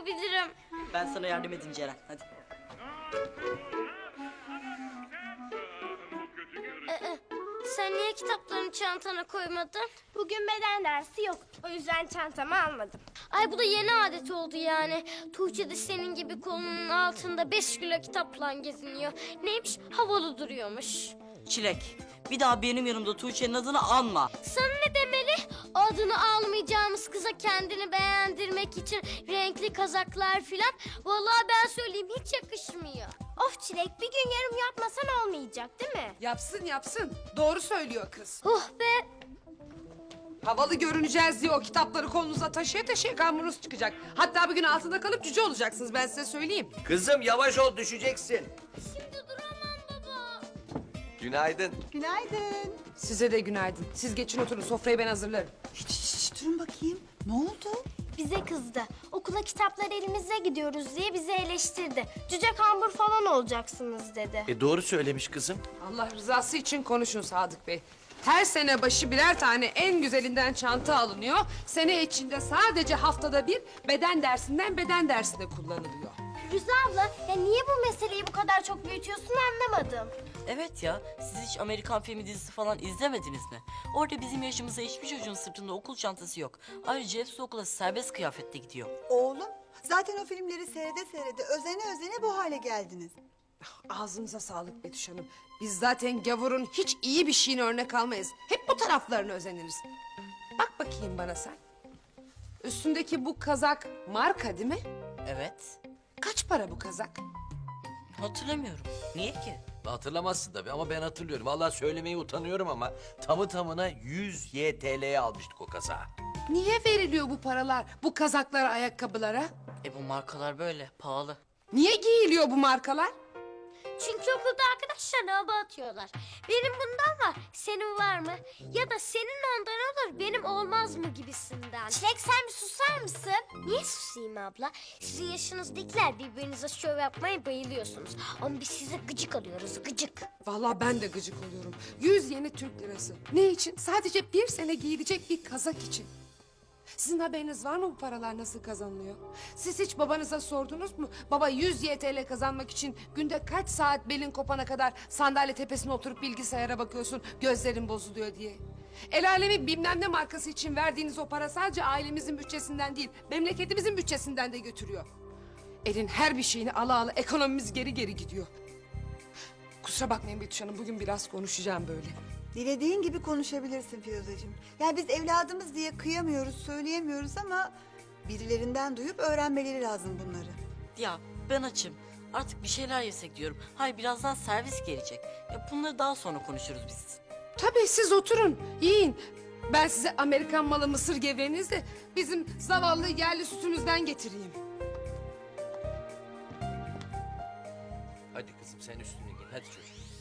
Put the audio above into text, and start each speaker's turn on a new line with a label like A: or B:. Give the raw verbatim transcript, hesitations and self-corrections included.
A: yapabilirim.
B: Ben sana yardım edeyim Ceren, hadi.
A: Ee, sen niye kitaplarını çantana koymadın?
C: Bugün beden dersi yok. O yüzden çantamı almadım.
A: Ay bu da yeni adet oldu yani. Tuğçe de senin gibi kolunun altında beş kilo kitapla geziniyor. Neymiş? Havalı duruyormuş.
B: Çilek, bir daha benim yanımda Tuğçe'nin adını anma.
A: Sana ne demeli? Adını almayacağımız kıza kendini beğendirmek için renkli kazaklar filan. Vallahi ben söyleyeyim hiç yakışmıyor.
C: Of Çilek, bir gün yarım yapmasan olmayacak değil mi?
D: Yapsın yapsın. Doğru söylüyor kız.
A: Oh be!
D: Havalı görüneceğiz diye o kitapları kolunuza taşıya taşıya kamburunuz çıkacak. Hatta bugün altında kalıp cüce olacaksınız, ben size söyleyeyim.
E: Kızım yavaş ol, düşeceksin.
A: Şimdi duramam baba.
E: Günaydın.
F: Günaydın.
D: Size de günaydın. Siz geçin oturun, sofrayı ben hazırlarım.
F: Hiç, hiç, hiç, durun bakayım. Ne oldu?
C: Bize kızdı. Okula kitaplar elimizde gidiyoruz diye bizi eleştirdi. Cüce kambur falan olacaksınız dedi.
E: E doğru söylemiş kızım.
D: Allah rızası için konuşun Sadık Bey. Her sene başı birer tane en güzelinden çanta alınıyor. Sene içinde sadece haftada bir beden dersinden beden dersine kullanılıyor.
C: Firuze abla, ya niye bu meseleyi bu kadar çok büyütüyorsun anlamadım.
B: Evet ya, siz hiç Amerikan filmi dizisi falan izlemediniz mi? Orada bizim yaşımızda hiçbir çocuğun sırtında okul çantası yok. Ayrıca hepsi okula serbest kıyafetle gidiyor.
F: Oğlum, zaten o filmleri seyrede seyrede özene özene bu hale geldiniz.
D: Ağzınıza sağlık Betüş Hanım. Biz zaten gavurun hiç iyi bir şeyini örnek almayız. Hep bu taraflarını özeniriz. Bak bakayım bana sen. Üstündeki bu kazak marka değil mi?
B: Evet,
D: Kaç para bu kazak?
B: hatırlamıyorum. Niye ki?
E: Hatırlamazsın tabii ama ben hatırlıyorum. Vallahi söylemeye utanıyorum ama tamı tamına yüz Y T L'ye almıştık o kazağı.
D: Niye veriliyor bu paralar bu kazaklara, ayakkabılara?
B: E bu markalar böyle, pahalı.
D: Niye giyiliyor bu markalar?
A: Çünkü okulda arkadaşlarına hava atıyorlar. Benim bundan var, senin var mı? Ya da senin ondan olur, benim olmaz mı gibisinden.
C: Çilek sen bir susar mısın?
A: Niye susayım abla? Sizin yaşınızdakiler birbirinize şov yapmaya bayılıyorsunuz. Ama biz size gıcık alıyoruz, gıcık.
D: Vallahi ben de gıcık oluyorum. Yüz yeni Türk lirası. Ne için? Sadece bir sene giyilecek bir kazak için. Sizin haberiniz var mı bu paralar nasıl kazanılıyor? Siz hiç babanıza sordunuz mu? Baba yüz Y T L kazanmak için günde kaç saat belin kopana kadar sandalye tepesine oturup bilgisayara bakıyorsun, gözlerin bozuluyor diye. El alemi bilmem ne markası için verdiğiniz o para sadece ailemizin bütçesinden değil, memleketimizin bütçesinden de götürüyor. Elin her bir şeyini ala ala ekonomimiz geri geri gidiyor. Kusura bakmayın Betüş Hanım, bugün biraz konuşacağım böyle.
F: Dilediğin gibi konuşabilirsin Firuzeciğim. Yani biz evladımız diye kıyamıyoruz, söyleyemiyoruz ama birilerinden duyup öğrenmeleri lazım bunları.
B: Ya ben açım. Artık bir şeyler yesek diyorum. Hayır, birazdan servis gelecek. Ya bunları daha sonra konuşuruz biz.
D: Tabii siz oturun, yiyin. Ben size Amerikan malı mısır gevreğinizi de bizim zavallı yerli sütümüzden getireyim.
E: Hadi kızım sen üstünü giy. Hadi çocuğum.